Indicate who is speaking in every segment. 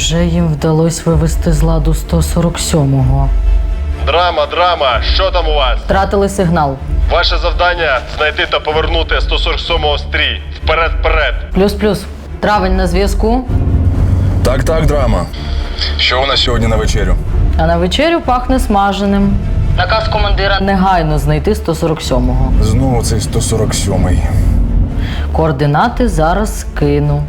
Speaker 1: Невже їм вдалося вивести з ладу 147-го?
Speaker 2: Драма, що там у вас?
Speaker 1: Втратили сигнал.
Speaker 2: Ваше завдання – знайти та повернути 147-го стрій. Вперед!
Speaker 1: Плюс. Травень на зв'язку.
Speaker 3: Так, драма. Що у нас сьогодні на вечерю?
Speaker 1: А на вечерю пахне смаженим. Наказ командира негайно знайти 147-го.
Speaker 3: Знову цей 147-й.
Speaker 1: Координати зараз скину.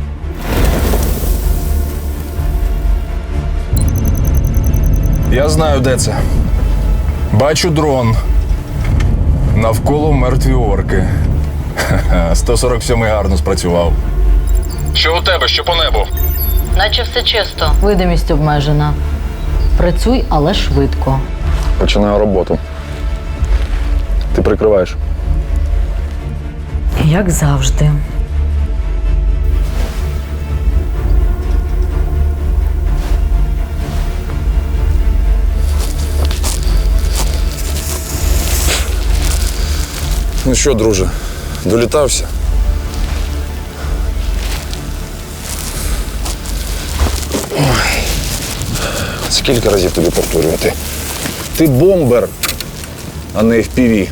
Speaker 3: Я знаю, де це. Бачу дрон. Навколо мертві орки. 147-й гарно спрацював. Що у тебе? Що по небу?
Speaker 1: Наче все чисто. Видимість обмежена. Працюй, але швидко.
Speaker 3: Починаю роботу. Ти прикриваєш.
Speaker 1: Як завжди.
Speaker 3: Ну що, друже, долітався? Ой. Скільки разів тобі повторювати? Ти бомбер, а не FPV.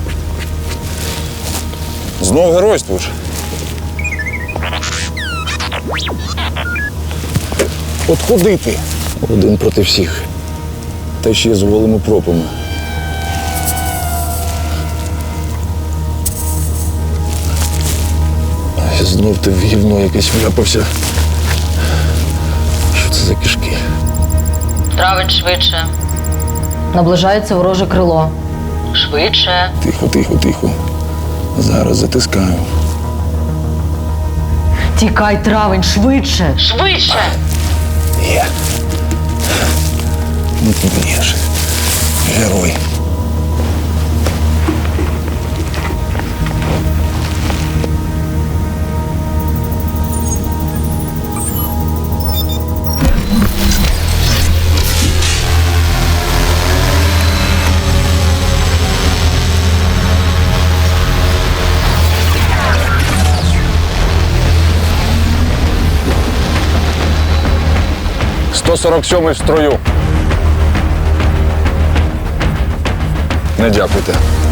Speaker 3: Знов геройствуєш? От куди ти? Один проти всіх. Та ще з голими пропами. Знов ти в гівно якесь вляпався. Що це за кишки?
Speaker 1: Травень швидше. Наближається вороже крило. Швидше.
Speaker 3: Тихо. Зараз затискаю.
Speaker 1: Тікай, травень, швидше. Швидше!
Speaker 3: Є. Ну ти б'єш. Герой. «147-й в строю. Не дякуйте.